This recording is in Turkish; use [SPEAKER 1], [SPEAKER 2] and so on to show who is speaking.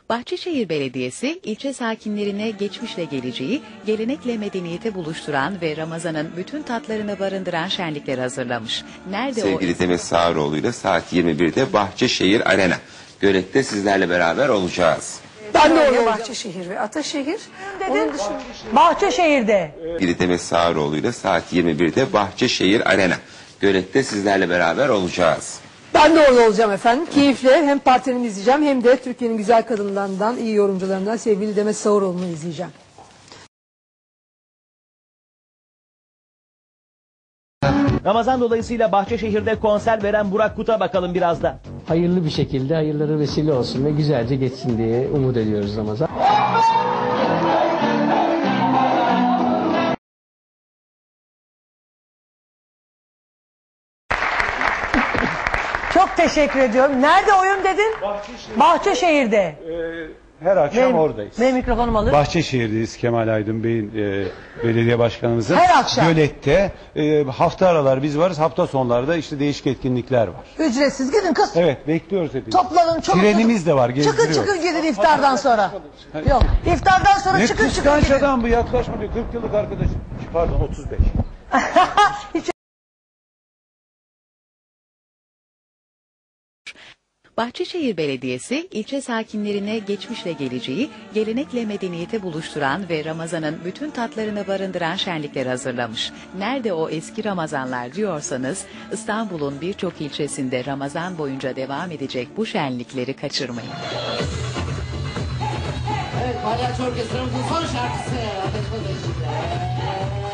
[SPEAKER 1] Bahçeşehir Belediyesi, ilçe sakinlerine geçmişle geleceği, gelenekle medeniyete buluşturan ve Ramazan'ın bütün tatlarını barındıran şenlikler hazırlamış. Nerede
[SPEAKER 2] Sevgili Demet Sağaroğlu ile saat 21'de Bahçeşehir Arena. Gölet'te sizlerle beraber olacağız.
[SPEAKER 3] Ben de orada Bahçeşehir ve Ataşehir. Onun dışında
[SPEAKER 4] Bahçeşehir'de.
[SPEAKER 2] Sevgili Demet Sağaroğlu ile saat 21'de Bahçeşehir Arena. Gölet'te sizlerle beraber olacağız.
[SPEAKER 3] ben de orada olacağım efendim. Keyifle hem partnerimi izleyeceğim hem de Türkiye'nin güzel kadınlarından, iyi yorumcularından sevgili Demet Sağaroğlu'nu izleyeceğim.
[SPEAKER 5] Ramazan dolayısıyla Bahçeşehir'de konser veren Burak Kut'a bakalım biraz da.
[SPEAKER 6] Hayırlı bir şekilde hayırlara vesile olsun ve güzelce geçsin diye umut ediyoruz Ramazan.
[SPEAKER 4] Çok teşekkür ediyorum. Nerede oyun dedin? Bahçeşehir'de.
[SPEAKER 7] Her akşam oradayız.
[SPEAKER 4] Benim mikrofonum alır.
[SPEAKER 7] Bahçeşehir'deyiz, Kemal Aydın Bey'in belediye başkanımızın.
[SPEAKER 4] Her akşam.
[SPEAKER 7] Gölet'te hafta aralar biz varız, hafta sonlarda işte değişik etkinlikler var.
[SPEAKER 4] Ücretsiz gidin kız.
[SPEAKER 7] Evet, bekliyoruz hepinizi.
[SPEAKER 4] Toplanın çok.
[SPEAKER 7] Trenimiz de var, gezdiriyoruz.
[SPEAKER 4] Çıkın gidin iftardan sonra. Yok, iftardan sonra
[SPEAKER 7] Ne
[SPEAKER 4] çıkın
[SPEAKER 7] kıskanç
[SPEAKER 4] gidin.
[SPEAKER 7] adam bu, yaklaşma diyor. 40 yıllık arkadaşım. Pardon, 35.
[SPEAKER 1] Bahçeşehir Belediyesi, ilçe sakinlerine geçmişle geleceği, gelenekle medeniyete buluşturan ve Ramazan'ın bütün tatlarını barındıran şenlikler hazırlamış. Nerede o eski Ramazanlar diyorsanız, İstanbul'un birçok ilçesinde Ramazan boyunca devam edecek bu şenlikleri kaçırmayın.
[SPEAKER 8] Evet, Palyaço Orkestra'mızın son şarkısı. Ateş Böceği.